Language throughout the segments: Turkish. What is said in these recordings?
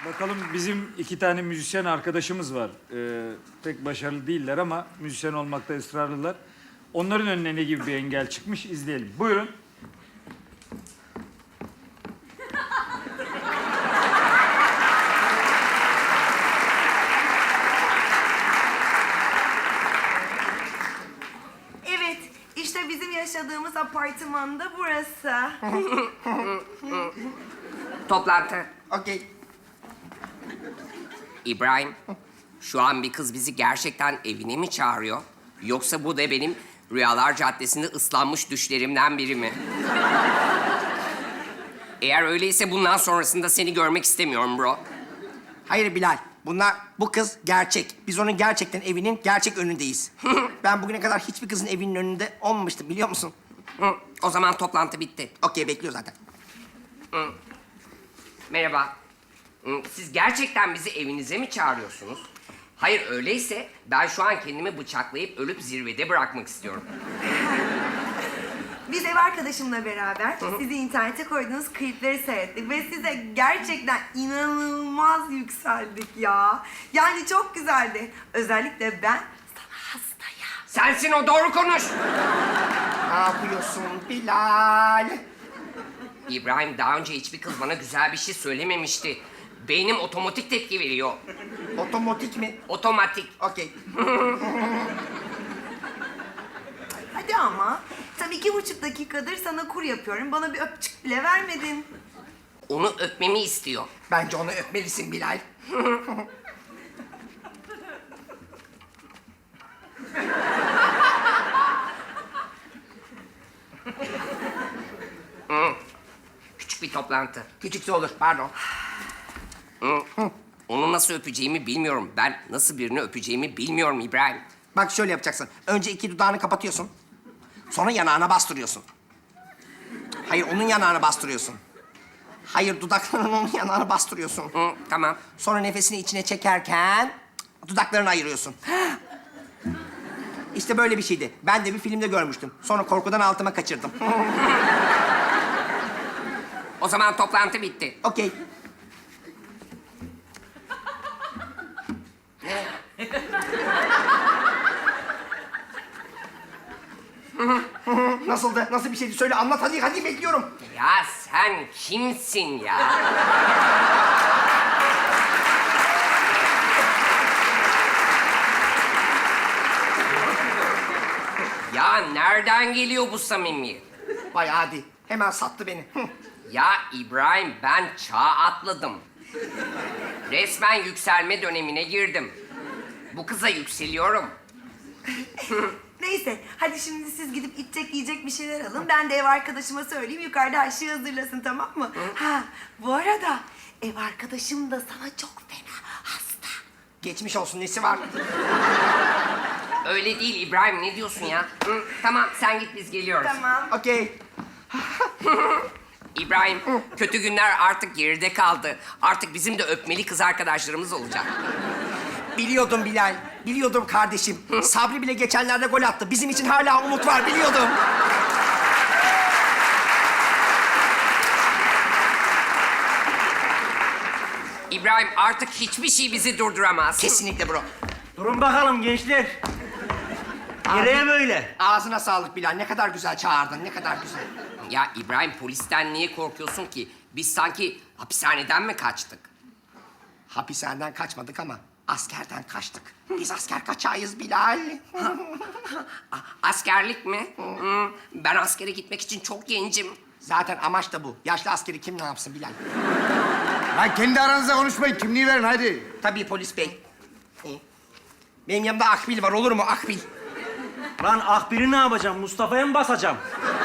Bakalım bizim 2 tane müzisyen arkadaşımız var. Pek başarılı değiller ama müzisyen olmakta ısrarlılar. Onların önüne ne gibi bir engel çıkmış izleyelim. Buyurun. Evet, işte bizim yaşadığımız apartmanda burası. Toplantı. Okey. İbrahim, şu an bir kız bizi gerçekten evine mi çağırıyor? Yoksa bu da benim Rüyalar Caddesi'nde ıslanmış düşlerimden biri mi? Eğer öyleyse bundan sonrasında seni görmek istemiyorum bro. Hayır Bilal. Bu kız gerçek. Biz onun gerçekten evinin gerçek önündeyiz. Ben bugüne kadar hiçbir kızın evinin önünde olmamıştım biliyor musun? Hı, o zaman toplantı bitti. Okey bekliyor zaten. Merhaba. Siz gerçekten bizi evinize mi çağırıyorsunuz? Hayır öyleyse ben şu an kendimi bıçaklayıp ölüp zirvede bırakmak istiyorum. Biz ev arkadaşımla beraber sizi internete koyduğunuz klipleri seyrettik ve size gerçekten inanılmaz yükseldik ya. Yani çok güzeldi. Özellikle ben sana hastayım. Sensin o, doğru konuş. Ne yapıyorsun Bilal? İbrahim, daha önce hiçbir kız bana güzel bir şey söylememişti. Beynim otomatik tepki veriyor. Otomatik mi? Otomatik. Okey. Hadi ama. Tam 2,5 dakikadır sana kur yapıyorum. Bana bir öpücük bile vermedin. Onu öpmemi istiyor. Bence onu öpmelisin Bilal. Küçük bir toplantı. Küçükse olur pardon. Onu nasıl öpeceğimi bilmiyorum. Ben nasıl birini öpeceğimi bilmiyorum İbrahim. Bak şöyle yapacaksın. Önce 2 dudağını kapatıyorsun. Sonra yanağına bastırıyorsun. Hayır onun yanağına bastırıyorsun. Hayır dudaklarının onun yanağına bastırıyorsun. Tamam. Sonra nefesini içine çekerken dudaklarını ayırıyorsun. İşte böyle bir şeydi. Ben de bir filmde görmüştüm. Sonra korkudan altıma kaçırdım. O zaman toplantı bitti. Okey. Nasıldı? Nasıl bir şeydi? Söyle anlat hadi bekliyorum. Ya sen kimsin ya? Ya nereden geliyor bu samimiyet? Vay hadi. Hemen sattı beni. Ya İbrahim, ben çağ atladım. Resmen yükselme dönemine girdim. Bu kıza yükseliyorum. Neyse, hadi şimdi siz gidip içecek yiyecek bir şeyler alın. Ben de ev arkadaşıma söyleyeyim, yukarıda her şeyi hazırlasın, tamam mı? Ha, bu arada ev arkadaşım da sana çok fena hasta. Geçmiş olsun nesi var? Öyle değil İbrahim, ne diyorsun ya? Tamam, sen git, biz geliyoruz. Tamam. Okey. İbrahim, kötü günler artık geride kaldı. Artık bizim de öpmeli kız arkadaşlarımız olacak. Biliyordum Bilal. Biliyordum kardeşim. Sabri bile geçenlerde gol attı. Bizim için hala umut var biliyordum. İbrahim, artık hiçbir şey bizi durduramaz. Kesinlikle bro. Durun bakalım gençler. Nereye böyle? Ağzına sağlık Bilal. Ne kadar güzel çağırdın. Ne kadar güzel. Ya İbrahim, polisten niye korkuyorsun ki? Biz sanki hapishaneden mi kaçtık? Hapishaneden kaçmadık ama askerden kaçtık. Biz asker kaçağıyız Bilal. Askerlik mi? Ben askere gitmek için çok gencim. Zaten amaç da bu. Yaşlı askeri kim ne yapsın Bilal? Lan kendi aranızda konuşmayın. Kimliği verin hadi. Tabii polis bey. Benim yanımda Akbil var olur mu Akbil? Lan Akbir'i ne yapacağım? Mustafa'ya mı basacağım?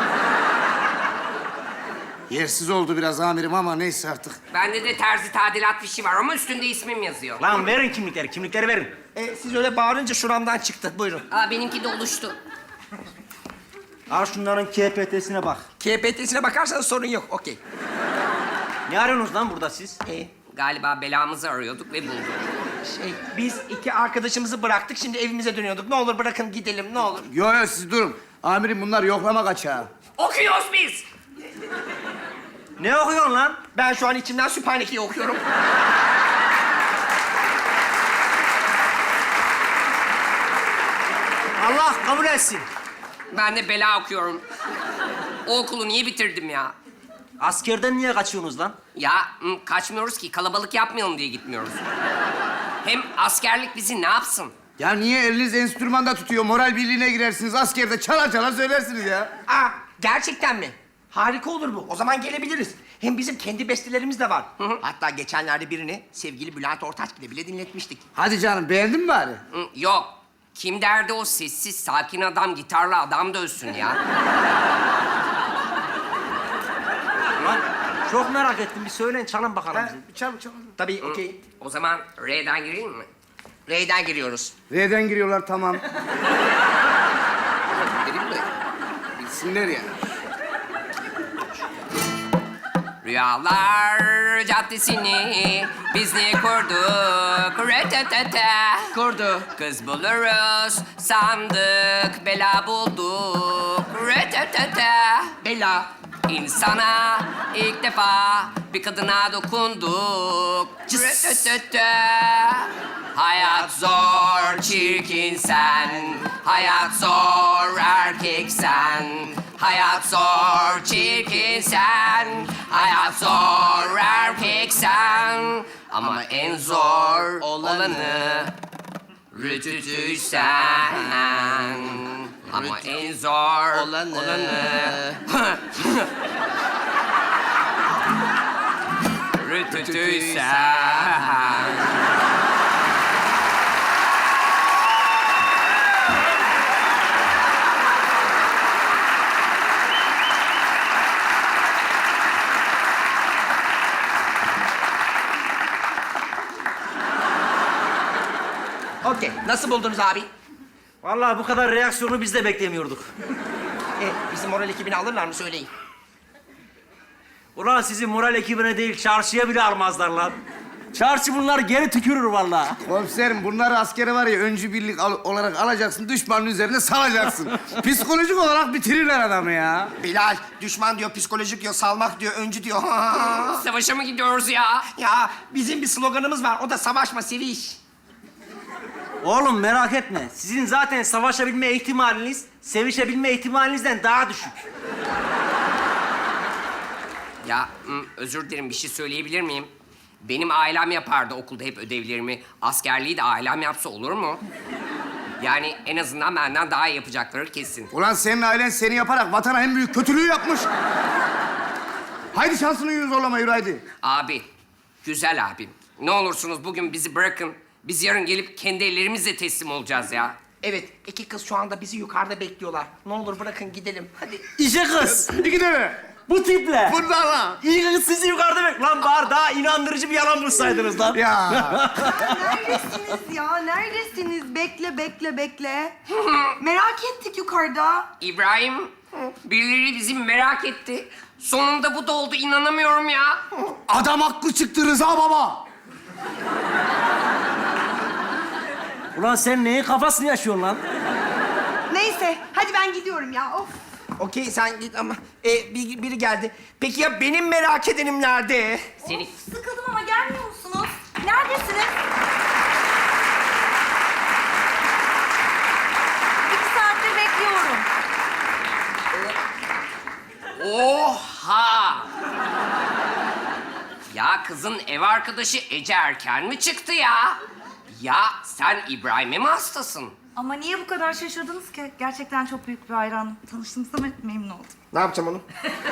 Yersiz oldu biraz amirim ama neyse artık. Bende de terzi tadilat fişi var ama üstünde ismim yazıyor. Lan verin kimlikleri, kimlikleri verin. Siz öyle bağırınca şuramdan çıktı. Buyurun. Benimki de oluştu. Al şunların KPT'sine bak. KPT'sine bakarsanız sorun yok. Okey. Ne arıyorsunuz lan burada siz? Galiba belamızı arıyorduk ve bulduk. Biz 2 arkadaşımızı bıraktık. Şimdi evimize dönüyorduk. Ne olur bırakın gidelim ne olur. Yo yo siz durun. Amirim bunlar yoklama kaçağı. Okuyoruz biz. Ne okuyorsun lan? Ben şu an içimden Sübhaneke'yi okuyorum. kabul etsin. Ben de bela okuyorum. O okulu niye bitirdim ya? Askerden niye kaçıyorsunuz lan? Ya kaçmıyoruz ki, kalabalık yapmayalım diye gitmiyoruz. Hem askerlik bizi ne yapsın? Ya niye eliniz enstrümanda tutuyor? Moral birliğine girersiniz. Askerde çalar çalar söylersiniz ya. Aa, gerçekten mi? Harika olur bu. O zaman gelebiliriz. Hem bizim kendi bestelerimiz de var. Hatta geçenlerde birini sevgili Bülent Ortaçgil'e bile dinletmiştik. Hadi canım beğendin mi bari? Yok. Kim derdi o sessiz, sakin adam gitarla adam dövsün ya? Lan çok merak ettim. Bir söyleyin, çalın bakalım bize. Çal. Tabii, okey. O zaman R'den gireyim mi? R'den giriyoruz. R'den giriyorlar tamam. Gireyim mi? Bilsinler ya. Rüyalar caddesini biz niye kurduk? Retetete. Kurdu. Kız buluruz sandık, bela bulduk. Retetete. Bella. İnsana ilk defa bir kadına dokunduk. Retetete. Hayat zor, çirkin sen. Hayat zor, erkek sen. Hayat zor, çirkin sen. Hayat zor, erkek sen. Ama en zor olanı rütütü sen. Ama en zor olanı rütütü sen. Okey. Nasıl buldunuz abi? Vallahi bu kadar reaksiyonu biz de beklemiyorduk. Bizim moral ekibini alırlar mı söyleyin. Ulan sizi moral ekibine değil, çarşıya bile almazlar lan. Çarşı bunları geri tükürür vallahi. Komiserim bunları askere var ya öncü birlik olarak alacaksın. Düşmanın üzerine salacaksın. Psikolojik olarak bitirirler adamı ya. Bilal, düşman diyor, psikolojik diyor, salmak diyor, öncü diyor. Savaşa mı gidiyoruz ya? Ya bizim bir sloganımız var. O da savaşma, seviş. Oğlum merak etme. Sizin zaten savaşabilme ihtimaliniz, sevişebilme ihtimalinizden daha düşük. Ya özür dilerim, bir şey söyleyebilir miyim? Benim ailem yapardı okulda hep ödevlerimi. Askerliği de ailem yapsa olur mu? Yani en azından benden daha iyi yapacakları kesin. Ulan senin ailen seni yaparak vatana en büyük kötülüğü yapmış. Haydi şansını yürü zorlama yürü haydi. Abi, güzel abim. Ne olursunuz bugün bizi bırakın. Biz yarın gelip kendi ellerimizle teslim olacağız ya. Evet, iki kız şu anda bizi yukarıda bekliyorlar. Ne olur bırakın gidelim. Hadi. İşe kız. İki de Bu tiple. Burada lan. İyi kız sizi yukarıda bek. Lan bari daha inandırıcı bir yalan bulsaydınız lan. Ya. Neredesiniz ya? Neredesiniz? Bekle. Merak ettik yukarıda. İbrahim, birileri bizi merak etti. Sonunda bu da oldu, inanamıyorum ya. Adam haklı çıktı Rıza baba. Ulan sen neyin kafasını yaşıyorsun lan? Neyse, hadi ben gidiyorum ya. Of. Okey sen git ama biri geldi. Peki ya benim merak edenim nerede? Seni Sıkıldım ama gelmiyor musunuz? Neredesiniz? 2 saattir bekliyorum. Oha! Ya kızın ev arkadaşı Ece erken mi çıktı ya? Ya sen İbrahim'e mi hastasın? Ama niye bu kadar şaşırdınız ki? Gerçekten çok büyük bir hayranım. Tanıştığımıza memnun oldum. Ne yapacağım onu?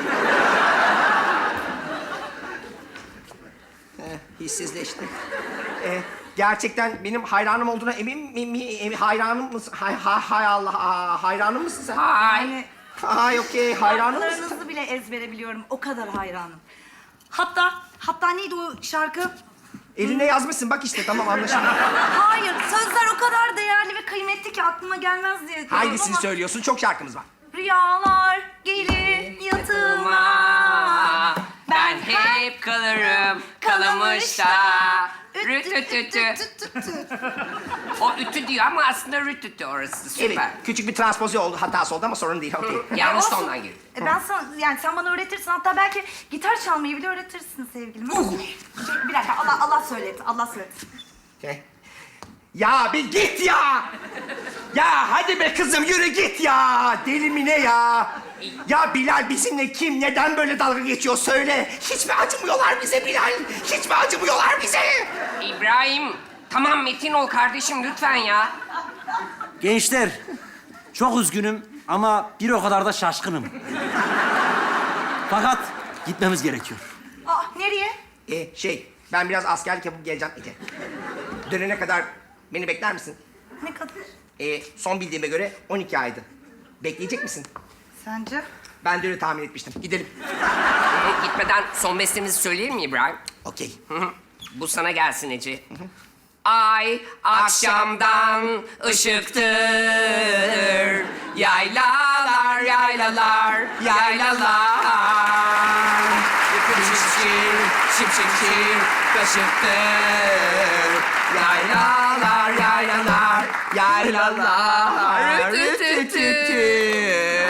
Hissizleşti. Gerçekten benim hayranım olduğuna emin mi? Hayranım mısın? Hay Allah, hayranım mısın sen? Ay. Ay okey, hayranım mısın? Şarkılarınızı bile ezbere biliyorum. O kadar hayranım. Hatta neydi o şarkı? Eline yazmışsın bak işte tamam anlaşıldı. Hayır, sözler o kadar değerli ve kıymetli ki aklıma gelmez diye diyorum Hangisini ama... söylüyorsun? Çok şarkımız var. Rüyalar gelir yatıma. Ben hep kalırım kalamışta. Rütütütü. O ütü diyor ama aslında rütütü orası. Süper. Evet, küçük bir transpoze oldu, hatası oldu ama sorun değil. Okey. Yanlış Olsun. tondan girdi. Ben sana, yani sen bana öğretirsin. Hatta belki gitar çalmayı bile öğretirsin sevgilim. Bir dakika, Allah söyledi. Okay. Ya bir git ya! Ya hadi be kızım yürü git ya. Deli mi ne ya? Ya Bilal bizimle kim, neden böyle dalga geçiyor söyle. Hiç mi acımıyorlar bize Bilal? Hiç mi acımıyorlar bize? İbrahim, tamam metin ol kardeşim lütfen ya. Gençler, çok üzgünüm ama bir o kadar da şaşkınım. Fakat gitmemiz gerekiyor. Nereye? Ben biraz askerlik yapıp geleceğim Ece. Dönene kadar beni bekler misin? Ne kadar? Son bildiğime göre 12 aydı. Bekleyecek misin? Sence? Ben de öyle tahmin etmiştim. Gidelim. Gitmeden son bestemizi söyleyelim mi İbrahim? Okey. Bu sana gelsin Ece. Ay akşamdan ışıktır. Yaylalar, yaylalar, yaylalar. Şimşir, şimşir, kaşıktır. Yaylalar, yaylalar, yaylalar. Rütütütü.